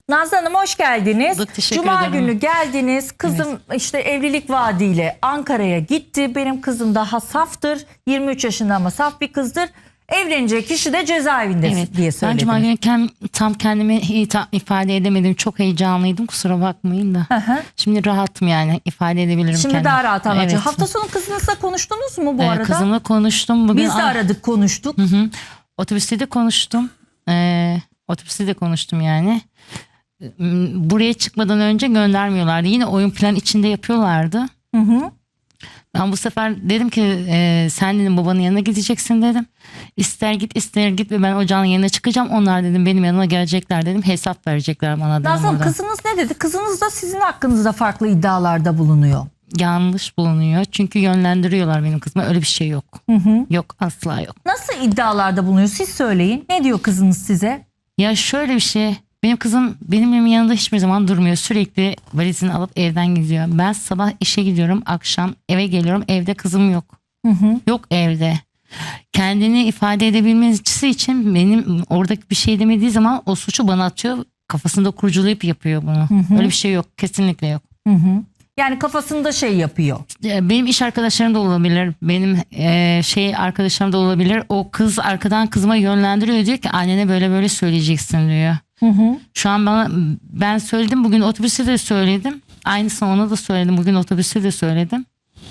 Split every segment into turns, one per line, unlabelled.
Nazlı Hanım hoş geldiniz.
Teşekkür
Cuma
ederim.
günü geldiniz. Kızım işte evlilik vaadiyle Ankara'ya gitti. Benim kızım daha saftır. 23 yaşında ama saf bir kızdır. Evlenecek kişi de cezaevinde diye
Ben
söylediniz.
Cuma günü tam kendimi ifade edemedim. Çok heyecanlıydım, kusura bakmayın da.
Hı.
Şimdi rahatım, yani ifade edebilirim
Şimdi
kendimi.
daha rahat anlatacağım.
Evet.
Hafta sonu kızınızla konuştunuz mu bu arada?
Kızımla konuştum. Bugün
Biz de aradık, konuştuk.
Otobüste de konuştum. Otobüste de konuştum yani. Buraya çıkmadan önce göndermiyorlardı. Yine oyun plan içinde yapıyorlardı.
Hı.
Ben bu sefer dedim ki sen dedim babanın yanına gideceksin dedim. İster git ister git ve ben ocağın yanına çıkacağım. Onlar dedim benim yanıma gelecekler dedim. Hesap verecekler bana dedim.
Nazlı Hanım,
orada.
kızınız ne dedi? Kızınız da sizin hakkınızda farklı iddialarda bulunuyor.
Yanlış bulunuyor. Çünkü yönlendiriyorlar benim kızıma. Öyle bir şey yok. Yok, asla yok.
Nasıl iddialarda bulunuyor? Siz söyleyin. Ne diyor kızınız size?
Ya şöyle bir şey. Benim kızım benim yanında hiçbir zaman durmuyor. Sürekli valizini alıp evden gidiyor. Ben sabah işe gidiyorum. Akşam eve geliyorum. Evde kızım yok. Yok evde. Kendini ifade edebilmesi için benim oradaki bir şey demediği zaman o suçu bana atıyor. Kafasında kurcalayıp yapıyor bunu. Öyle bir şey yok. Kesinlikle yok.
Yani kafasında şey yapıyor.
Benim iş arkadaşlarım da olabilir. Benim arkadaşlarım da olabilir. O kız arkadan kızıma yönlendiriyor, diyor ki annene böyle böyle söyleyeceksin diyor. Şu an ben söyledim, bugün otobüste de söyledim. Aynısını ona da söyledim. Bugün otobüste de söyledim.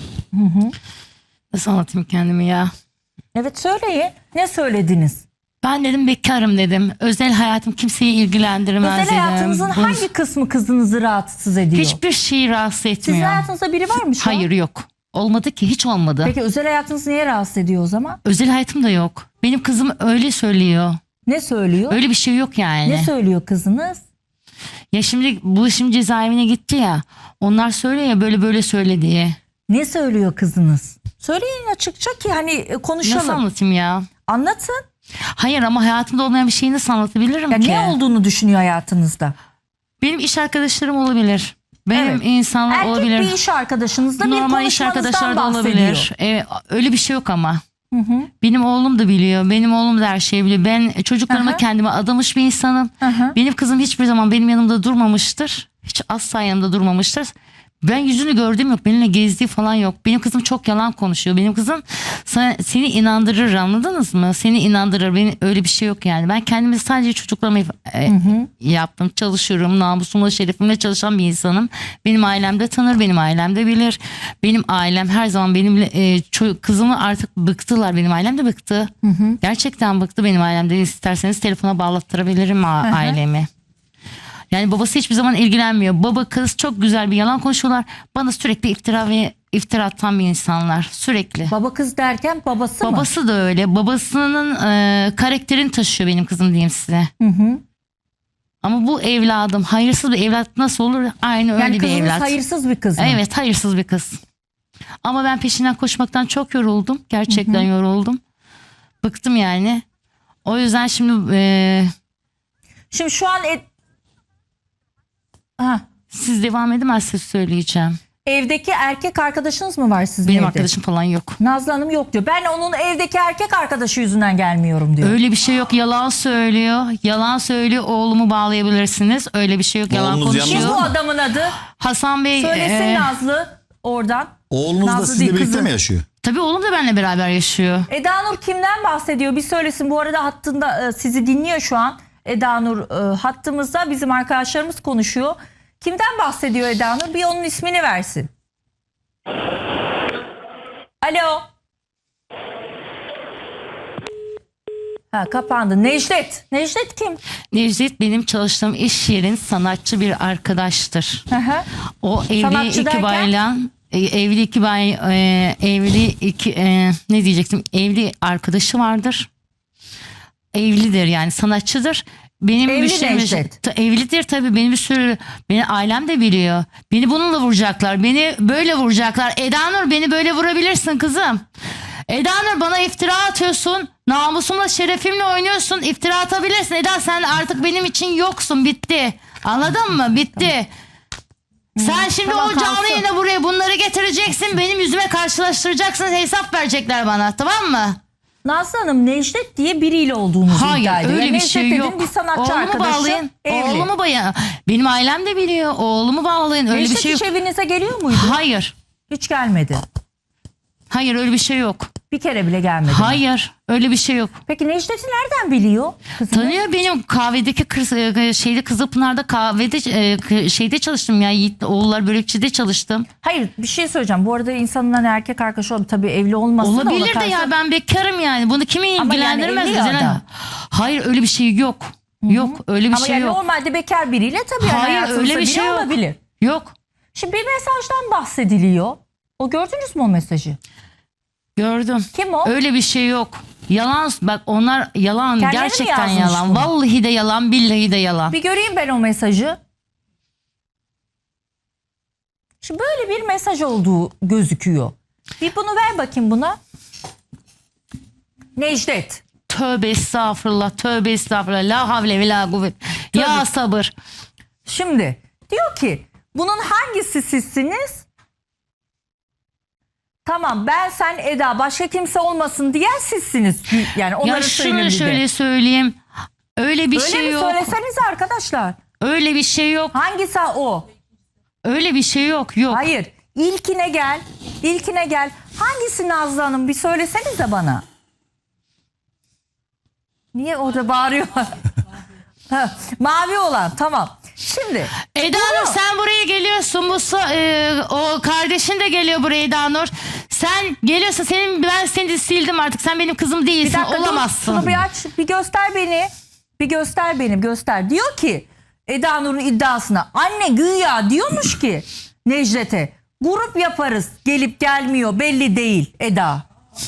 Nasıl anlatayım kendimi ya?
Evet, söyleyin. Ne söylediniz?
Ben dedim bekarım dedim. Özel hayatım kimseyi ilgilendirmez
Özel
dedim.
hayatınızın hangi kısmı kızınızı rahatsız ediyor?
Hiçbir şeyi rahatsız etmiyor.
Sizin hayatınızda biri var mı şu an?
Hayır, yok. Olmadı ki, hiç olmadı.
Peki özel hayatınız niye rahatsız ediyor o zaman?
Özel hayatım da yok. Benim kızım öyle söylüyor.
Ne söylüyor?
Öyle bir şey yok yani.
Ne söylüyor kızınız?
Ya şimdi cezaevine gitti ya. Onlar söylüyor ya böyle böyle söyle diye.
Ne söylüyor kızınız? Söyleyin açıkça ki hani konuşalım.
Nasıl anlatayım ya?
Anlatın.
Hayır, ama hayatımda olmayan bir şeyi nasıl anlatabilirim
Ya
ki?
ne olduğunu düşünüyor hayatınızda?
Benim iş arkadaşlarım olabilir. Benim
Evet.
insanlar
Erkek
olabilir.
bir iş arkadaşınızla bir
Normal iş
konuşmanızdan
arkadaşları da
bahsediyor.
olabilir. Öyle bir şey yok ama. Benim oğlum da biliyor. Benim oğlum da her şeyi biliyor. Ben çocuklarıma kendime adamış bir insanım. Benim kızım hiçbir zaman benim yanımda durmamıştır. Hiç asla yanımda durmamıştır. Ben yüzünü gördüğüm yok. Benimle gezdiği falan yok. Benim kızım çok yalan konuşuyor. Benim kızım seni inandırır, anladınız mı? Seni inandırır. Benim öyle bir şey yok yani. Ben kendimi sadece çocuklarıma yaptım. Çalışıyorum. Namusumla, şerefimle çalışan bir insanım. Benim ailem de tanır. Benim ailem de bilir. Benim ailem her zaman benimle kızımı artık bıktılar. Benim ailem de bıktı. Gerçekten bıktı benim ailem de. İsterseniz telefona bağlattırabilirim ailemi. Yani babası hiçbir zaman ilgilenmiyor. Baba kız çok güzel bir yalan konuşuyorlar. Bana sürekli iftira atan bir insanlar. Sürekli.
Baba kız derken babası mı?
Babası da öyle. Babasının karakterini taşıyor benim kızım, diyeyim size. Ama bu evladım hayırsız bir evlat nasıl olur? Aynı öyle
Yani
bir
kızınız
evlat.
hayırsız bir kız mı?
Evet, hayırsız bir kız. Ama ben peşinden koşmaktan çok yoruldum. Gerçekten yoruldum. Bıktım yani. O yüzden şimdi
Şimdi şu an
siz devam edemezseniz söyleyeceğim.
evdeki erkek arkadaşınız mı var sizin
Benim
evde?
arkadaşım falan yok.
Nazlı Hanım yok diyor. Ben onun evdeki erkek arkadaşı yüzünden gelmiyorum diyor.
Öyle bir şey yok, yalan söylüyor. Yalan söylüyor, oğlumu bağlayabilirsiniz. Öyle bir şey yok, yalan
Oğlunuz
konuşuyor.
Kim bu adamın adı?
Hasan Bey
Söylesin Nazlı oradan.
Oğlunuz da
Nazlı
sizinle
değil,
birlikte
kızı.
mi yaşıyor?
tabii oğlum da benimle beraber yaşıyor.
Eda Nur kimden bahsediyor? Bir söylesin. Bu arada hattında sizi dinliyor şu an. Eda Nur hattımızda, bizim arkadaşlarımız konuşuyor. Kimden bahsediyor Eda Nur? Bir onun ismini versin. Alo. Kapandı. Necdet. Necdet kim?
Necdet benim çalıştığım iş yerin sanatçı bir arkadaştır. O evli
Sanatçı
iki
derken?
baylan, evli iki bay, evli iki ne diyecektim? Evli arkadaşı vardır. Evlidir yani, sanatçıdır. Benim
Evli
müşterim
Necdet.
evlidir tabii, benim bir sürü, beni ailem de biliyor. Beni bununla vuracaklar. Beni böyle vuracaklar. Eda Nur, beni böyle vurabilirsin kızım. Eda Nur, bana iftira atıyorsun. Namusumla, şerefimle oynuyorsun. İftira atabilirsin. Eda, sen artık benim için yoksun. Bitti. Anladın mı? Bitti. Sen şimdi
Tamam,
o canlı
kalsın.
yayına buraya bunları getireceksin. Benim yüzüme karşılaştıracaksın. Hesap verecekler bana. Tamam mı?
Nazlı Hanım Necdet diye biriyle olduğunuzu iddia
Hayır
ediyor.
öyle
Yani
bir şey
Necdet
yok.
dedin, bir sanatçı
Oğlumu
arkadaşı,
bağlayın.
evli.
Oğlumu bağlayın. Benim ailem de biliyor. Oğlumu bağlayın. Öyle
Necdet
bir şey
hiç
yok.
evinize geliyor muydu?
Hayır.
Hiç gelmedi.
Hayır öyle bir şey yok.
Bir kere bile gelmedi.
Hayır öyle bir şey yok.
Peki Necdet'i nereden biliyor? Kızını?
Tanıyor, benim kahvedeki Kızılpınar'da kahvede şeyde çalıştım ya, Yiğit oğullar börekçide çalıştım.
Hayır, bir şey söyleyeceğim. Bu arada insanın hani erkek arkadaşı olabilir. Tabii evli olmasın da
Olabilir
ona
de ya,
karşı-
ben bekarım yani. Bunu kimi
Ama yani
ilgilendirmez
evli
mi
ya
canım?
adam.
Hayır öyle bir şey yok. Yok öyle bir
Ama
şey
yani
yok.
normalde bekar biriyle tabii yani
Hayır
hayatınızda
öyle bir
biri
şey yok.
olabilir.
Yok.
Şimdi bir mesajdan bahsediliyor. O gördünüz mü o mesajı?
Gördüm.
Kim o?
Öyle bir şey yok. Yalan, bak onlar yalan,
Kendileri mi
gerçekten
yazmış
yalan.
bunu?
Vallahi de yalan, billahi de yalan.
Bir göreyim ben o mesajı. Şimdi böyle bir mesaj olduğu gözüküyor. Bir bunu ver bakayım buna. Necdet.
Tövbe estağfurullah, tövbe estağfurullah. La havle ve la kuvvet. Ya sabır.
Şimdi diyor ki bunun hangisi sizsiniz? Tamam, ben sen Eda, başka kimse olmasın diyen sizsiniz. Yani onları
Ya
söyleyin
şunu
bir de.
şöyle söyleyeyim. Öyle bir
Öyle
şey
mi,
yok.
söylesenize arkadaşlar.
Öyle bir şey yok.
Hangisi o?
Öyle bir şey yok. Yok.
Hayır. İlkine gel. İlkine gel. Hangisi Nazlı Hanım? Bir söylesenize bana. Niye orada bağırıyor? Ha, mavi olan, tamam. Şimdi
Eda Nur sen buraya geliyorsun. O kardeşin de geliyor buraya Eda Nur. Sen geliyorsun, ben seni de sildim artık. Sen benim kızım
bir
değilsin.
dakika dur,
Olamazsın.
şunu bir aç, bir göster beni. Bir göster beni, göster. Diyor ki Eda Nur'un iddiasına, anne güya diyormuş ki Necdet'e, grup yaparız, gelip gelmiyor belli değil Eda.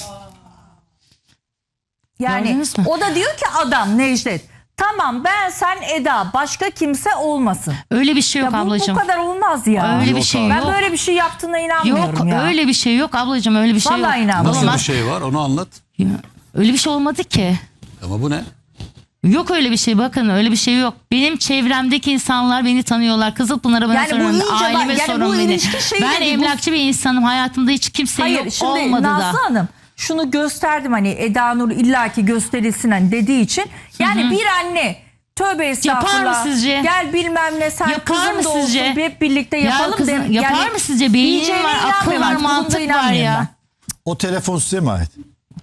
Yani
Gördünüz mü?
o da diyor ki adam Necdet, tamam ben sen Eda, başka kimse olmasın.
Öyle bir şey yok
Ya bu
ablacığım.
kadar olmaz ya.
Öyle bir
Yok
şey
abi.
Ben
yok.
böyle bir şey yaptığına inanmıyorum
Yok
ya.
öyle bir şey yok ablacığım, öyle bir şey
Vallahi
yok.
inanmıyorum.
Nasıl bir
Olamaz.
şey var, onu anlat.
Ya, öyle bir şey olmadı ki.
Ama bu ne?
Yok öyle bir şey, bakın öyle bir şey yok. Benim çevremdeki insanlar beni tanıyorlar. Kızılpınar'a bana
Yani bu
sorun,
iyice bak-
aileme
yani
sorun
bu
beni.
ilişki şeyi
Ben
de değil, bu-
emlakçı bir insanım. Hayatımda hiç kimse
Hayır,
yok,
şimdi
olmadı
Nazlı
da.
Hanım şunu gösterdim, hani Eda Nur illaki gösterilsin hani dediği için. Yani bir anne tövbe estağfurullah.
Yapar mı sizce?
Gel bilmem ne, sen
Yapar
kızım
mı
da olsun,
sizce?
hep birlikte yapalım.
kızım,
dem-
yapar
yani
mı sizce? Beynin
diyeceğine
var, akıl
inanmıyorum
var,
artık, bunda
mantık var
inanmıyorum
ya.
ben.
O telefon size mi ait?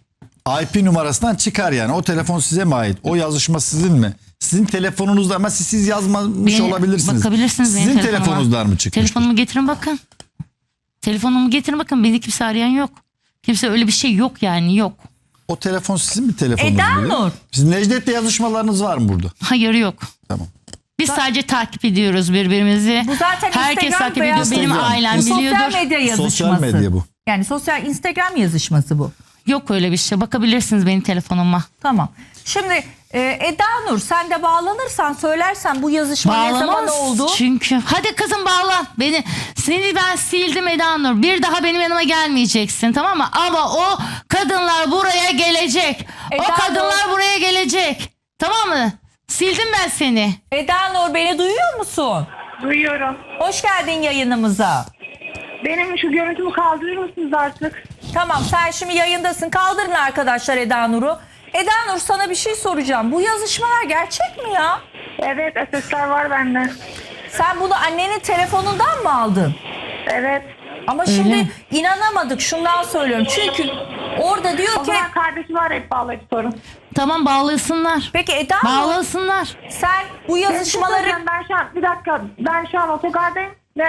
IP numarasından çıkar yani. O telefon size mi ait? O yazışma sizin mi? Sizin telefonunuzda, ama siz yazmamış olabilirsiniz.
Bakabilirsiniz benim
Sizin
telefonuma.
telefonunuzdan mı çıkmış?
Telefonumu getirin bakın. Telefonumu getirin bakın. Beni kimse arayan yok. Kimse, öyle bir şey yok yani, yok.
O telefon sizin mi telefonunuz?
Eda
mu?
Nur.
Sizin Necdet'le yazışmalarınız var mı burada?
Hayır yok.
Tamam.
Biz sadece takip ediyoruz birbirimizi.
Bu zaten
Herkes
Instagram
takip
veya
ediyor. Benim
Instagram.
ailem
Bu sosyal
biliyordur.
medya yazışması.
Sosyal medya bu.
Yani sosyal Instagram yazışması bu.
Yok öyle bir şey. Bakabilirsiniz benim telefonuma.
Tamam. Şimdi Eda Nur, sen de bağlanırsan, söylersen bu yazışma ne zaman
Bağlamaz
oldu?
çünkü. Hadi kızım bağlan. Seni ben sildim Eda Nur. Bir daha benim yanıma gelmeyeceksin, tamam mı? Ama o kadınlar buraya gelecek.
Eda
o kadınlar
Nur.
buraya gelecek. Tamam mı? Sildim ben seni.
Eda Nur, beni duyuyor musun?
Duyuyorum.
Hoş geldin yayınımıza.
Benim şu görüntümü kaldırır mısınız artık?
Tamam, sen şimdi yayındasın. Kaldırın arkadaşlar Eda Nur'u. Eda Nur, sana bir şey soracağım. Bu yazışmalar gerçek mi ya?
Evet, SS'ler var bende.
Sen bunu annenin telefonundan mı aldın?
Evet.
Ama şimdi inanamadık, şundan söylüyorum. Çünkü orada diyor
O
ki...
zaman kardeşi var, hep bağlayıcı sorun.
Tamam, bağlasınlar.
Peki Eda Nur,
Bağlasınlar.
sen bu yazışmaları...
Ben şu an, bir dakika, ben şu an otogardayım ve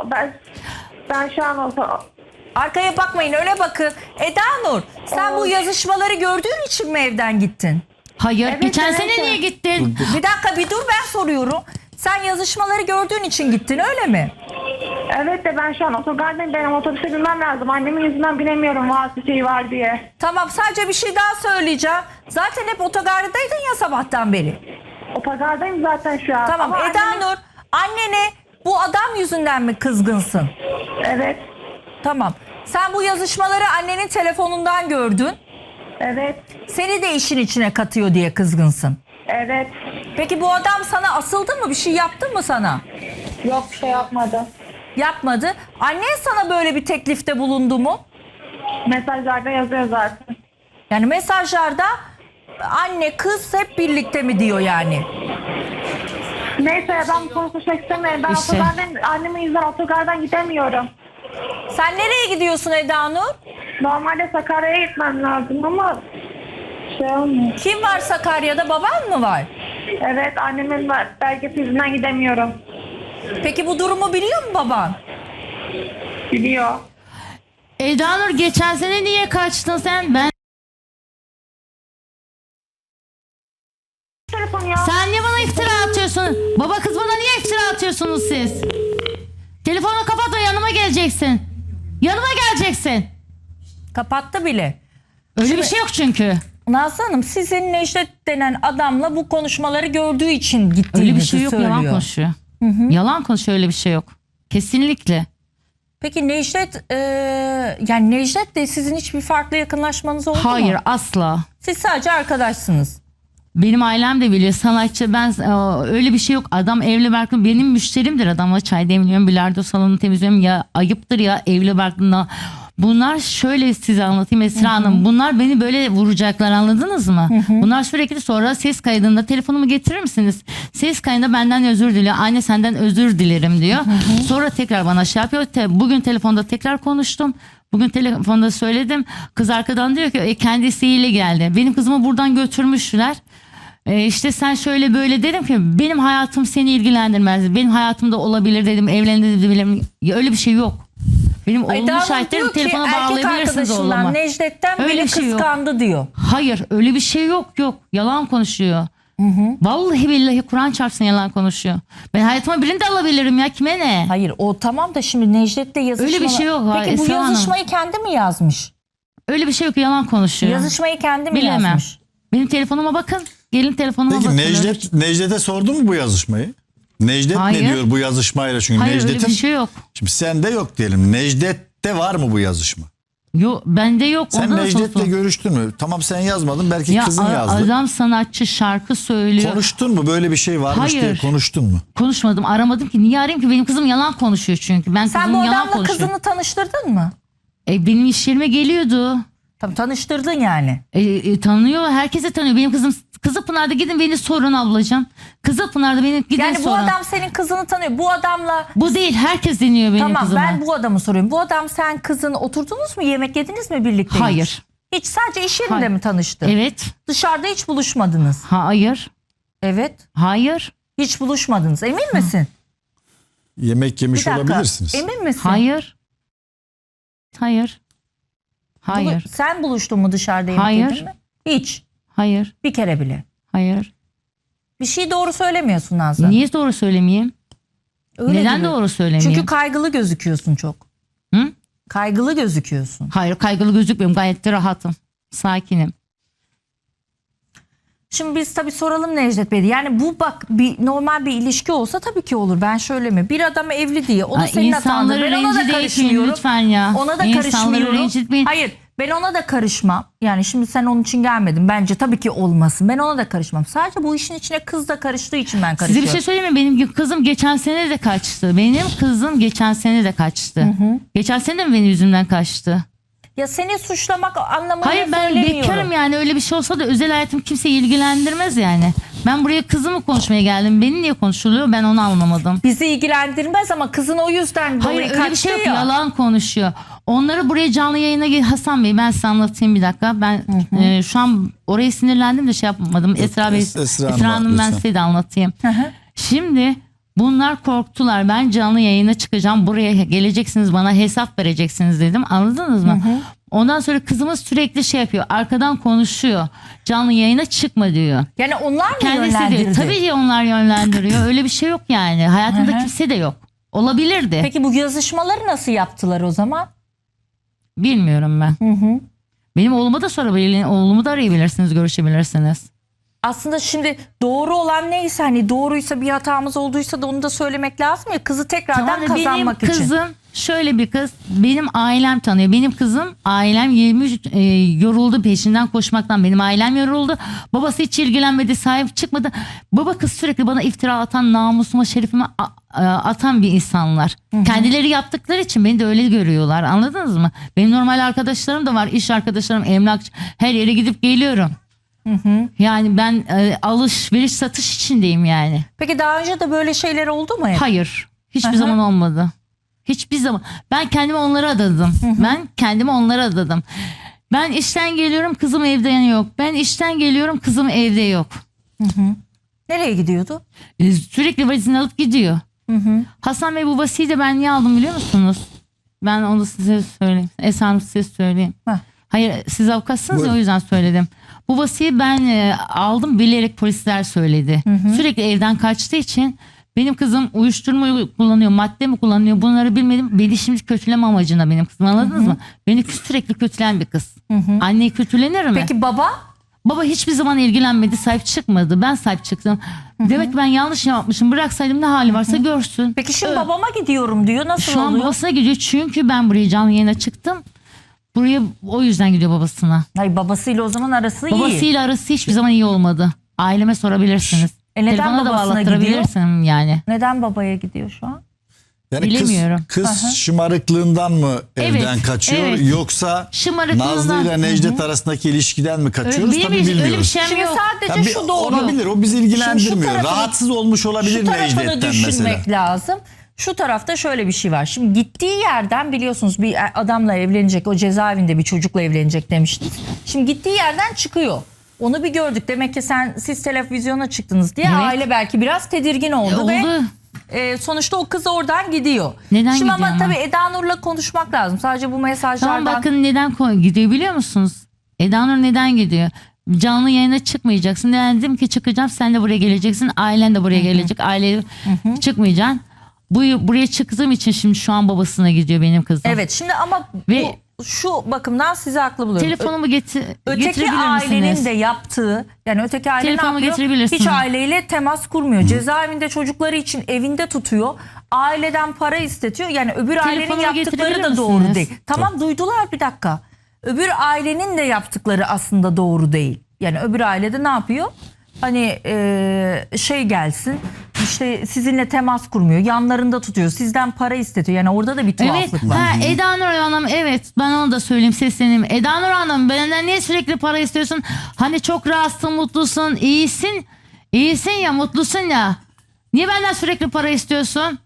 ben şu an
Arkaya bakmayın, öyle bakın. Eda Nur, sen bu yazışmaları gördüğün için mi evden gittin?
Hayır.
Evet,
Geçen
evet,
sene
evet.
niye gittin?
Bir dakika, bir dur, ben soruyorum. Sen yazışmaları gördüğün için gittin, öyle mi?
Evet de ben şu an otogardayım, benim otobüse binmem lazım. Annemin yüzünden binemiyorum, vasıta şeyi var diye.
Tamam, sadece bir şey daha söyleyeceğim. Zaten hep otogardaydın ya sabahtan beri.
Otogardayım zaten şu an.
Tamam,
Ama
Eda
annemin-
Nur, annene bu adam yüzünden mi kızgınsın?
Evet,
Tamam. Sen bu yazışmaları annenin telefonundan gördün.
evet,
Seni de işin içine katıyor diye kızgınsın.
evet.
Peki bu adam sana asıldı mı? Bir şey yaptı mı sana?
Yok, bir şey yapmadı.
Yapmadı. Annen sana böyle bir teklifte bulundu mu?
Mesajlarda yazıyor zaten.
Yani mesajlarda anne kız hep birlikte mi diyor yani.
Neyse ben konuşmak istemiyorum. Ben
İşte.
annemin yüzünden otogardan gidemiyorum.
Sen nereye gidiyorsun Eda Nur?
Normalde Sakarya'ya gitmem lazım ama şey olmuyor.
Kim var Sakarya'da, baban mı var?
Evet, annemin belgesi yüzünden gidemiyorum.
Peki bu durumu biliyor mu baban?
Biliyor.
Eda Nur, geçen sene niye kaçtın sen?
Telefon ya.
Sen niye bana iftira atıyorsun? Baba kız bana niye iftira atıyorsunuz siz? Telefonu kapat ve yanıma geleceksin. Yanıma geleceksin.
Kapattı bile.
Öyle bir şey yok çünkü.
Nazlı Hanım, sizin Necdet denen adamla bu konuşmaları gördüğü için gittiğinizi
Öyle bir şey yok,
söylüyor.
yalan konuşuyor. Yalan konuşuyor, öyle bir şey yok. Kesinlikle.
Peki Necdet, yani Necdet'le sizin hiçbir farklı yakınlaşmanız oldu mu?
Hayır, asla.
Siz sadece arkadaşsınız.
Benim ailem de biliyor, sanatçı, ben öyle bir şey yok. Adam evli barklı, benim müşterimdir, adamla çay demliyorum, bilardo salonu temizliyorum, ya ayıptır ya evli barklı. Bunlar şöyle, size anlatayım Esra Hanım, bunlar beni böyle vuracaklar, anladınız mı? Bunlar sürekli sonra ses kaydında telefonumu getirir misiniz? Ses kaydında benden özür diliyor, anne senden özür dilerim diyor. Sonra tekrar bana şey yapıyor. Bugün telefonda tekrar konuştum. Bugün telefonda söyledim. Kız arkadan diyor ki kendi isteğiyle geldi. Benim kızımı buradan götürmüşler. İşte sen şöyle böyle, dedim ki benim hayatım seni ilgilendirmez. Benim hayatımda olabilir dedim, evlenebilirim. Öyle bir şey yok. Benim olumlu
Eda Hanım
şahitlerim,
diyor ki
telefona
erkek
bağlayabilirsiniz oğluma.
arkadaşından Necdet'ten
Öyle
beni
bir şey yok.
kıskandı diyor.
Hayır, öyle bir şey yok. Yalan konuşuyor. Vallahi billahi Kur'an çarpsın, yalan konuşuyor. Ben hayatıma birini de alabilirim ya, kime ne?
Hayır, o tamam da şimdi Necdet'le yazışma.
Öyle bir şey yok.
Peki bu
Esra Hanım.
yazışmayı kendi mi yazmış?
Öyle bir şey yok, yalan konuşuyor.
Yazışmayı kendi mi
Bilemem.
yazmış?
Benim telefonuma bakın. Gelin telefonuma
Peki
bakın.
Necdet'e sordun mu bu yazışmayı? Necdet
Hayır.
ne diyor bu yazışmayla? Çünkü
Hayır, öyle
Necdet'in
bir şey yok.
şimdi sende yok diyelim. Necdet'te var mı bu yazışma?
Yok, bende yok.
Sen
Ondan
Necdet'le
sonra-
görüştün mü? Tamam, sen yazmadın, belki
Ya
kızın yazdı.
adam sanatçı, şarkı söylüyor.
Konuştun mu? Böyle bir şey varmış
Hayır.
diye konuştun mu?
Konuşmadım, aramadım ki. Niye arayayım ki? Benim kızım yalan konuşuyor çünkü. Ben
Sen
kızım
bu
yalan
adamla
konuşuyor.
kızını tanıştırdın mı?
Benim iş yerime geliyordu.
Tabii tanıştırdın yani.
Tanıyor, herkese tanıyor. Benim kızım Kızılpınar'da, gidin beni sorun ablacığım. Kızılpınar'da beni gidin
Yani bu
sorun.
adam senin kızını tanıyor. Bu adamla
Bu değil, herkes deniyor benim
tamam,
kızıma.
ben bu adamı soruyorum. Bu adam, sen kızın oturdunuz mu? Yemek yediniz mi birlikte?
Hayır.
Hiç sadece iş yerinde
Hayır.
mi tanıştı?
Evet.
Dışarıda hiç buluşmadınız.
Hayır.
Evet.
Hayır.
Hiç buluşmadınız. Emin misin?
Yemek yemiş
Bir dakika.
olabilirsiniz.
Emin misin?
Hayır. Hayır. Hayır.
Sen buluştun mu dışarıda yemek
Hayır.
yedin mi? Hiç.
Hayır.
Bir kere bile.
Hayır.
Bir şey doğru söylemiyorsun Nazlı.
Niye doğru söylemeyeyim?
Öyle
Neden
gibi.
doğru söylemeyeyim?
Çünkü kaygılı gözüküyorsun çok.
Hı?
Kaygılı gözüküyorsun.
Hayır, kaygılı gözükmüyorum. Gayet de rahatım. Sakinim.
Şimdi biz tabii soralım Necdet Bey. Yani bu bak, bir normal bir ilişki olsa tabii ki olur. Ben şöyle mi? Bir adam evli diye. O da
Ay,
senin hatandır.
insanları
Ben ona da
rencide etmeyin
karışmıyorum.
lütfen ya.
Ona da
İnsanları
karışmıyorum.
rencitmeyin.
Hayır, ben ona da karışmam. Yani şimdi sen onun için gelmedin. Bence tabii ki olmasın. Ben ona da karışmam. Sadece bu işin içine kız da karıştığı için ben
Size
karışıyorum.
bir şey söyleyeyim mi? Benim kızım geçen sene de kaçtı. Benim kızım geçen sene de kaçtı. Geçen sene de mi benim yüzümden kaçtı?
Ya seni suçlamak anlamında
Hayır, ben
söylemiyorum.
bekarım yani, öyle bir şey olsa da özel hayatım kimseyi ilgilendirmez yani. Ben buraya kızımı konuşmaya geldim. Beni niye konuşuluyor, ben onu anlamadım.
Bizi ilgilendirmez ama kızın o yüzden
Hayır,
dolayı
öyle bir
kaçtı
şey yok,
ya.
yalan konuşuyor. Onları buraya canlı yayına Hasan Bey, ben size anlatayım bir dakika. Ben şu an oraya sinirlendim de şey yapmadım. Esra Bey,
Esra
Esra Hanım, ben
lütfen.
size de anlatayım. Şimdi bunlar korktular. Ben canlı yayına çıkacağım. Buraya geleceksiniz, bana hesap vereceksiniz dedim. Anladınız mı? Ondan sonra kızımız sürekli şey yapıyor. Arkadan konuşuyor. Canlı yayına çıkma diyor.
Yani onlar mı
Kendisi
yönlendirdi?
diyor. Tabii ki onlar yönlendiriyor. Öyle bir şey yok yani. Hayatımda kimse de yok. Olabilirdi.
Peki bu yazışmaları nasıl yaptılar o zaman?
Bilmiyorum ben. Benim oğluma da sorabilirsiniz. Oğlumu da arayabilirsiniz, görüşebilirsiniz.
aslında şimdi doğru olan neyse, hani doğruysa, bir hatamız olduysa da onu da söylemek lazım ya, kızı tekrardan
Tamam da
kazanmak
benim
için.
kızım şöyle bir kız. Benim ailem tanıyor. Benim kızım, ailem 23 yoruldu peşinden koşmaktan. Benim ailem yoruldu. Babası hiç ilgilenmedi, sahip çıkmadı. Baba kız sürekli bana iftira atan, namusuma, şerefime atan bir insanlar. Kendileri yaptıkları için beni de öyle görüyorlar. Anladınız mı? Benim normal arkadaşlarım da var. İş arkadaşlarım, emlakçı. Her yere gidip geliyorum. Yani ben alışveriş satış içindeyim yani.
Peki daha önce de böyle şeyler oldu mu hep?
Hayır. Hiçbir
Aha.
zaman olmadı. Hiçbir zaman. Ben kendimi onlara adadım. Ben kendimi onlara adadım. Ben işten geliyorum, kızım evde yok. Ben işten geliyorum, kızım evde yok.
Nereye gidiyordu?
Sürekli valizini alıp gidiyor. Hasan Bey, bu vasiyi de ben niye aldım biliyor musunuz? Ben onu size söyleyeyim. Esam size söyleyeyim.
Heh.
Hayır, siz avukatsınız ya,
Buyurun.
o yüzden söyledim. Bu vasiyi ben aldım, bilerek polisler söyledi. Sürekli evden kaçtığı için benim kızım uyuşturma kullanıyor, madde mi kullanıyor, bunları bilmedim. Beni şimdi kötüleme amacına benim kızım, anladınız mı? Beni sürekli kötüleyen bir kız. Anne kötülenir mi?
Peki baba?
Baba hiçbir zaman ilgilenmedi, sahip çıkmadı. Ben sahip çıktım. Demek ki ben yanlış yapmışım. Bıraksaydım ne hali varsa görsün.
Peki şimdi babama gidiyorum diyor. Nasıl
Şu an
oluyor?
babasına gidiyor çünkü ben buraya canlı yayına çıktım. Buraya o yüzden gidiyor babasına.
Hayır, babasıyla o zaman arası iyi.
Babasıyla arası hiçbir zaman iyi olmadı. Aileme sorabilirsiniz.
Neden
Telefona da
babasına
bağlattırabilirsin yani.
Neden babaya gidiyor şu an?
Yani
Bilemiyorum.
kız şımarıklığından mı evden
Evet,
kaçıyor
evet.
yoksa
Şımarıklığından.
Nazlı ile Necdet arasındaki ilişkiden mi kaçıyoruz?
Benim
Tabii
öyle bir
bilmiyoruz.
şeyim
Şimdi
yok.
sadece
Ya bir-
şu doğru.
olabilir, o bizi ilgilendirmiyor.
tarafını-
Rahatsız olmuş olabilir
Şu tarafını
Necdet'ten
düşünmek
mesela.
lazım. Şu tarafta şöyle bir şey var. Şimdi gittiği yerden biliyorsunuz bir adamla evlenecek, o cezaevinde bir çocukla evlenecek demiştiniz. Şimdi gittiği yerden çıkıyor. Onu bir gördük. Demek ki siz televizyona çıktınız diye
Evet.
aile belki biraz tedirgin oldu ve
Oldu.
sonuçta o kız oradan gidiyor.
Neden
Şimdi
gidiyor
ama
ama?
tabii Eda Nur'la konuşmak lazım. Sadece bu mesajlardan.
Tamam, bakın neden gidiyor biliyor musunuz? Eda Nur neden gidiyor? Canlı yayına çıkmayacaksın. Dedim ki çıkacağım, sen de buraya geleceksin. Ailen de buraya gelecek. Aile çıkmayacaksın. Buraya çıktığım için şimdi şu an babasına gidiyor benim kızım.
Evet, şimdi ama
Ve-
şu bakımdan sizi haklı buluyorum.
Telefonumu
Öteki
getirebilir
ailenin
misiniz?
de yaptığı, yani öteki aile ne
Telefonumu
yapıyor?
getirebilirsin.
Hiç aileyle temas kurmuyor. Cezaevinde çocukları için evinde tutuyor. Aileden para istetiyor. Yani öbür ailenin
Telefonumu
yaptıkları
getirebilir
da doğru
misiniz?
değil. Tamam, duydular, bir dakika. Öbür ailenin de yaptıkları aslında doğru değil. Yani öbür ailede ne yapıyor? Hani şey gelsin, işte sizinle temas kurmuyor, yanlarında tutuyor, sizden para istetiyor. Yani orada da bir
Evet.
tuhaflık var.
Ha, Eda Nur Hanım, evet, ben onu da söyleyeyim, sesleneyim. Eda Nur Hanım, benden niye sürekli para istiyorsun? Hani çok rahatsın, mutlusun, iyisin. İyisin ya, mutlusun ya. Niye benden sürekli para istiyorsun?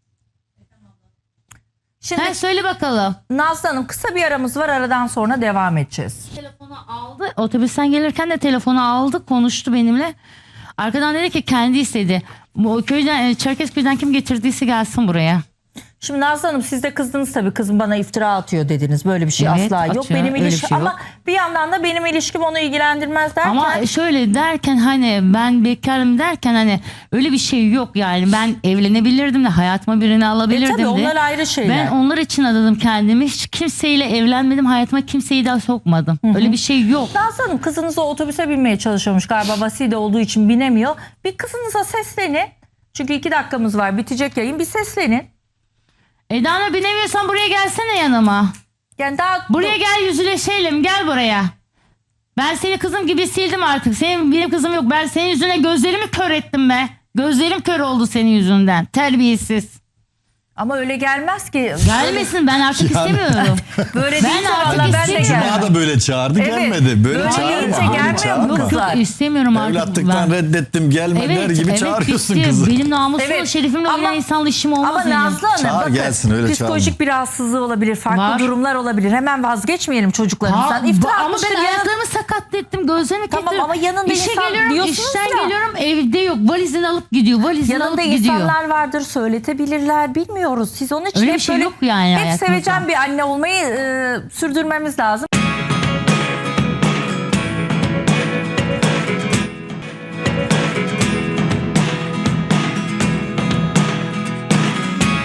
Şimdi
Ha, söyle bakalım.
Nazlı Hanım, kısa bir aramız var, aradan sonra devam edeceğiz.
Telefonu aldı. Otobüsten gelirken de telefonu aldı, konuştu benimle. Arkadan dedi ki kendi istedi. Bu köyden, Çerkezköy'den kim getirdiyse gelsin buraya.
Şimdi Nazlı Hanım, siz de kızdınız tabii, kızım bana iftira atıyor dediniz. Böyle bir şey
Evet,
asla yok.
atıyor.
Benim
Öyle bir
ilişkim
şey
ama
yok.
bir yandan da benim ilişkim onu ilgilendirmez derken.
Ama şöyle derken, hani ben bekarım derken, hani öyle bir şey yok yani. Ben evlenebilirdim de, hayatıma birini alabilirdim
tabii
de.
onlar ayrı şeyler.
Ben onlar için adadım kendimi. Hiç kimseyle evlenmedim. Hayatıma kimseyi daha sokmadım. Öyle bir şey yok.
Nazlı Hanım, kızınız o otobüse binmeye çalışıyormuş galiba, vaside olduğu için binemiyor. Bir kızınıza seslenin. Çünkü 2 dakikamız var, bitecek yayın, bir seslenin.
Eda Nur, binemiyorsan buraya gelsene yanıma.
Yani daha
Buraya gel, yüzleşelim, gel buraya. Ben seni kızım gibi sildim artık. Benim kızım yok. Ben senin yüzüne gözlerimi kör ettim be. Gözlerim kör oldu senin yüzünden. Terbiyesiz.
ama öyle gelmez ki.
Gelmesin, ben artık
Yani-
istemiyorum.
Böyle
Ben
değilse
artık
vallahi ben de
istemiyorum.
gelmem.
Cuma da böyle çağırdı,
Evet,
gelmedi. Böyle
böyle
çağırma.
deyince
böyle
gelmiyor
çağırma.
mu kızlar?
Yok, istemiyorum artık.
Evlatlıktan
ben.
reddettim, gelme der gibi çağırıyorsun
bitti.
kızı.
Benim namusum,
Evet,
şerefimle
ama-
oynayan insanla işim olmaz
Ama
benim.
Nazlı Hanım,
Çağır
bakın,
gelsin, öyle
psikolojik bir rahatsızlığı olabilir, farklı
Var.
durumlar olabilir. Hemen vazgeçmeyelim çocuklarımızdan.
Ha,
İftira
ama
atmıştır
ben
ya.
ayaklarımı sakatlettim, gözlerimi
Tamam,
kilitledim.
ama yanında
İşe
insan
geliyorum,
diyorsunuz
işten
ya.
geliyorum, evde yok. Valizini alıp gidiyor, valizini
Yanında
alıp gidiyor.
insanlar vardır, söyletebilirler, bilmiyoruz. Siz onun için
Öyle
hep
bir şey
böyle
yok yani
hep
hayatımızda.
sevecen bir anne olmayı sürdürmemiz lazım.